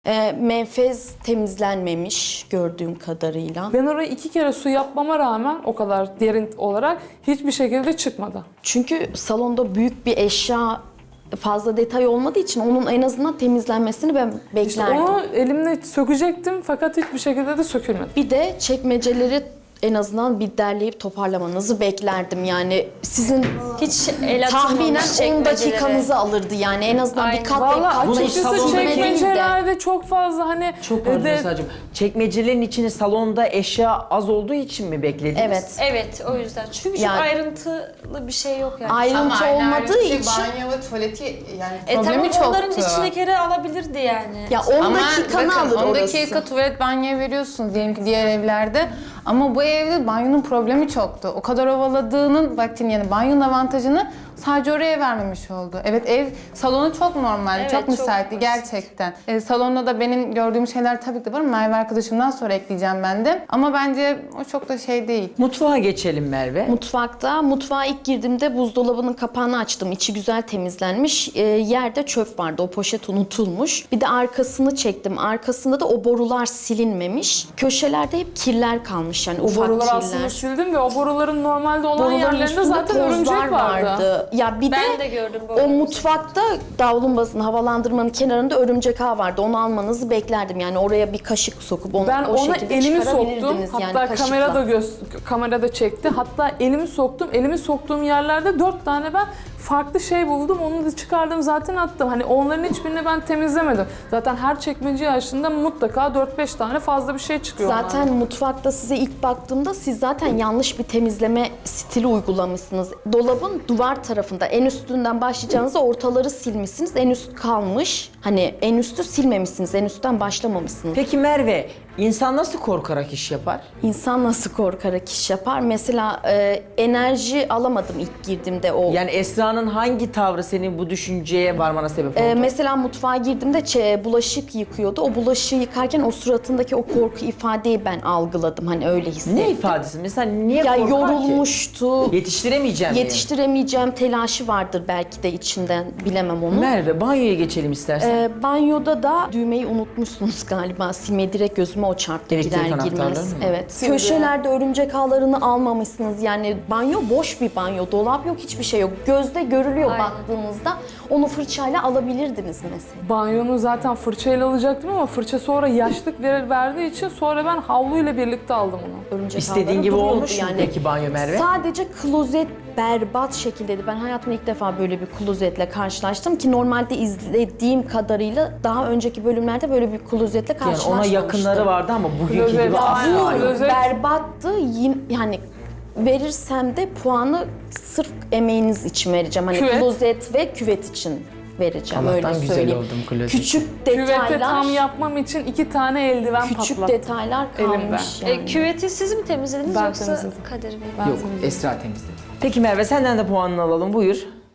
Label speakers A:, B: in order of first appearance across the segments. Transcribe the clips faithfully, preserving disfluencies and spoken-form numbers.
A: E, menfez temizlenmemiş gördüğüm kadarıyla.
B: Ben orayı iki kere su yapmama rağmen o kadar derin olarak hiçbir şekilde çıkmadı.
A: Çünkü salonda büyük bir eşya fazla detay olmadığı için onun en azından temizlenmesini ben beklerdim.
B: İşte onu elimle sökecektim fakat hiçbir şekilde de sökülmedi.
A: Bir de çekmeceleri en azından bir derleyip toparlamanızı beklerdim. Yani sizin
C: Hiç el
A: tahminen
C: atılmamış
A: on
C: çekmeceleri.
A: dakikanızı alırdı yani. En azından
C: Aynen.
A: bir kat
B: Vallahi
A: bir kat
B: açıkçası
A: taşısın değil de.
B: çekmecelerde çok fazla hani...
D: Çok pardon
B: de-
D: Esra'cığım. Çekmecelerin içine salonda eşya az olduğu için mi beklediniz?
A: Evet.
C: Evet, o yüzden. Çünkü çok
A: Yani-
C: ayrıntılı bir şey yok yani.
A: Ayrıntı
E: Ama aynı
A: olmadığı
E: ayrıntı
A: için
E: banyo ve tuvaleti yani
C: E tamam,
E: problemi çoktu.
C: onların içine kere alabilirdi yani.
A: ya on
E: Ama
A: dakikanı
E: bakın,
A: alır
E: on
A: orası.
E: dakika tuvalet banyoya veriyorsunuz diyelim ki diğer evlerde. Ama bu evde banyonun problemi çoktu. O kadar ovaladığının vaktini yani banyonun avantajını sadece oraya vermemiş oldu. Evet ev salonu çok normal,
C: Evet,
E: çok
C: çok
E: müsaitti
C: basit.
E: gerçekten. E, salonda da benim gördüğüm şeyler tabii ki var. Merve arkadaşımdan sonra ekleyeceğim ben de. Ama bence o çok da şey değil.
D: Mutfağa geçelim Merve.
A: Mutfakta, mutfağa ilk girdiğimde buzdolabının kapağını açtım. İçi güzel temizlenmiş. E, yerde çöp vardı. O poşet unutulmuş. Bir de arkasını çektim. Arkasında da o borular silinmemiş. Köşelerde hep kirler kalmış yani
B: O
A: ufak
B: boruları
A: kirler.
B: aslında sildim ve o boruların normalde olan
A: Boruların
B: yerlerinde
A: üstünde
B: zaten örümcek
A: tozlar
B: vardı.
A: Ya bir
C: Ben
A: de,
C: de gördüm
A: o
C: boruları.
A: mutfakta davlumbazın havalandırmanın kenarında örümcek ağı vardı. Onu almanızı beklerdim. Yani oraya bir kaşık sokup onu
B: Ben
A: o
B: ona
A: şekilde
B: elimi soktum.
A: çıkarabilirdiniz yani
B: Hatta
A: kaşıkla.
B: kamera da göz kamera da çekti. Hatta elimi soktum. Elimi soktuğum yerlerde dört tane ben farklı şey buldum. Onu da çıkardım zaten attım. Hani onların hiçbirini ben temizlemedim. Zaten her çekmeceyi açtığında mutlaka dört beş tane fazla bir şey çıkıyor.
A: Zaten
B: onlardan.
A: mutfakta size ilk baktığımda siz zaten yanlış bir temizleme stili uygulamışsınız. Dolabın duvar tarafında en üstünden başlayacağınızda ortaları silmişsiniz. En üst kalmış. Hani en üstü silmemişsiniz. En üstten başlamamışsınız.
D: Peki Merve, insan nasıl korkarak iş yapar?
A: İnsan nasıl korkarak iş yapar? Mesela e, enerji alamadım ilk girdiğimde o.
D: Yani Esra'nın hangi tavrı senin bu düşünceye varmana sebep oldu?
A: Ee, mesela mutfağa girdiğimde çe- bulaşık yıkıyordu. O bulaşığı yıkarken o suratındaki o korku ifadeyi ben algıladım. Hani öyle hissettim.
D: ne ifadesi? Mesela niye
A: Ya
D: korkar
A: yorulmuştu.
D: ki? Yetiştiremeyeceğim diye.
A: Yetiştiremeyeceğim telaşı vardır belki de içinden. Bilemem onu.
D: Merve, banyoya geçelim istersen.
A: Ee, banyoda da düğmeyi unutmuşsunuz galiba. Silmeyi direkt gözüme o çarptı
D: Elektrik
A: girer
D: anahtarları
A: girmez.
D: mı?
A: Evet.
B: Sildi.
A: Köşelerde örümcek ağlarını almamışsınız. Yani banyo boş bir banyo. Dolap yok, hiçbir şey yok. Gözde görülüyor
C: Aynen.
A: baktığınızda. Onu fırçayla alabilirdiniz mesela.
B: Banyonu zaten fırçayla alacaktım ama fırça sonra yaşlık ver- verdiği için sonra ben havluyla birlikte aldım onu.
A: Örümcek
D: İstediğin
A: ağları
D: gibi
A: duruyordu
D: olmuş mu peki banyo Merve?
A: Sadece klozet berbat şekildeydi. Ben hayatımda ilk defa böyle bir klozetle karşılaştım ki normalde izlediğim kadarıyla daha önceki bölümlerde böyle bir klozetle
D: Yani
A: karşılaşmamıştım.
D: ona yakınları vardı ama bugünkü
B: Klozet,
D: gibi
B: aynen.
D: asla yok.
B: Klozet-
A: Berbattı. Yin- Yani verirsem de puanı sırf emeğiniz için vereceğim. Hani
B: Küvet.
A: klozet ve küvet için vereceğim.
D: Allah'tan
A: öyle
D: güzel
A: söyleyeyim.
D: oldum klozet.
A: Küçük
B: Küvete
A: detaylar,
B: tam yapmam için iki tane eldiven
A: küçük
B: patlattım.
A: detaylar
B: Elimden.
A: kalmış yani.
C: E, küveti siz mi temizlediniz
B: Ben
C: yoksa
B: temizledim.
C: Kadir Bey?
B: Ben
D: Yok,
B: temizledim.
D: Esra temizledi. Peki Merve, senden de puanını alalım. Buyur.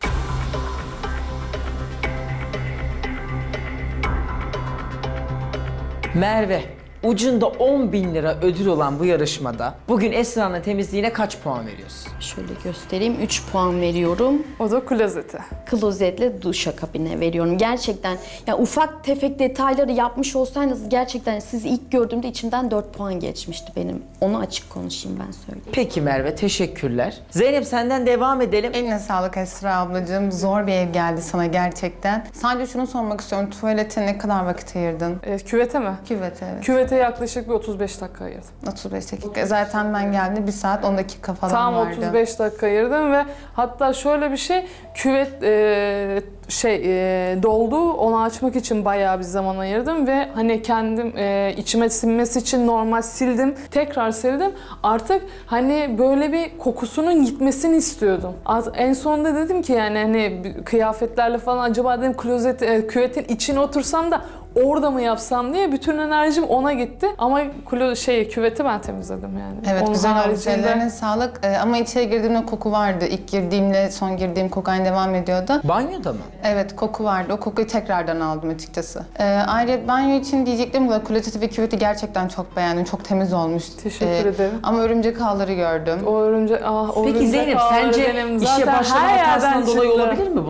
D: Merve, ucunda on bin lira ödül olan bu yarışmada bugün Esra'nın temizliğine kaç puan veriyorsun?
A: Şöyle göstereyim. üç puan veriyorum.
B: O da klozete.
A: Klozetle duşakabine veriyorum. Gerçekten ya ufak tefek detayları yapmış olsaydınız gerçekten sizi ilk gördüğümde içimden dört puan geçmişti benim. Onu açık konuşayım ben söyleyeyim.
D: Peki Merve, teşekkürler. Zeynep, senden devam edelim.
E: Eline sağlık Esra ablacığım. Zor bir ev geldi sana gerçekten. Sadece şunu sormak istiyorum. Tuvalete ne kadar vakit ayırdın?
B: E, küvete mi?
E: Küvete evet.
B: Küvete yaklaşık bir otuz beş dakika ayırdım.
E: otuz beş dakika. Zaten ben geldim bir saat on dakika falan
B: Tam
E: vardı.
B: otuz beş dakika ayırdım ve hatta şöyle bir şey, küvet e, şey e, doldu, onu açmak için bayağı bir zaman ayırdım ve hani kendim e, içime sinmesi için normal sildim, tekrar sildim. Artık hani böyle bir kokusunun gitmesini istiyordum. Az- En sonunda dedim ki yani hani bir kıyafetlerle falan acaba dedim klozet, e, küvetin içine otursam da orada mı yapsam diye bütün enerjim ona gitti. Ama klo şey küveti ben temizledim yani.
E: Evet
B: Onun
E: güzel olmuş.
B: haricinde-
E: Ellerine sağlık. Ee, ama içeri girdiğimde koku vardı. İlk girdiğimle son girdiğim koku aynı devam ediyordu.
D: Banyoda mı?
E: Evet koku vardı. O kokuyu tekrardan aldım açıkçası. Ee, ayrıca banyo için diyecektim da klozeti ve küveti gerçekten çok beğendim. Çok temiz olmuş.
B: Teşekkür
E: Ee,
B: ederim.
E: Ama örümcek ağları gördüm.
B: O örümcek, ah, o
D: Peki
B: örümcek
D: Zeynep,
B: ağları
D: sence
B: benim
D: işe
B: zaten
D: başlama
B: her
D: hatasından
B: yerden
D: dolayı
B: çıktı.
D: olabilir mi bunlar?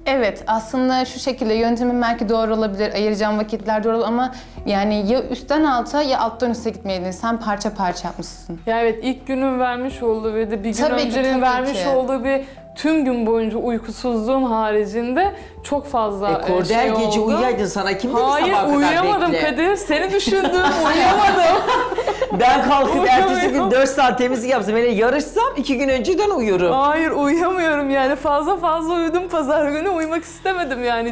E: Evet, aslında şu şekilde yöntemin belki doğru olabilir, ayıracağım vakitler doğru ama yani ya üstten alta ya alttan üste gitmeydin. Sen parça parça yapmışsın.
B: Ya evet, ilk günün vermiş olduğu ve de bir gün
E: Tabii ki,
B: öncenin
E: tabii
B: vermiş
E: ki.
B: olduğu bir tüm gün boyunca uykusuzluğun haricinde çok fazla
D: E,
B: e,
D: Kordel
B: şey
D: gece
B: oldu.
D: uyuyaydın, sana kim dedi
B: Hayır,
D: sabaha kadar
B: uyuyamadım
D: bekle?
B: Kadir. Seni düşündüm, uyuyamadım.
D: Ben kalkıp ertesi gün
B: Uyuyamıyorum.
D: dört saat temizlik yapsam, hele yarışsam iki gün önceden uyurum.
B: Hayır, uyuyamıyorum yani. Fazla fazla uyudum pazar günü. Uyumak istemedim yani.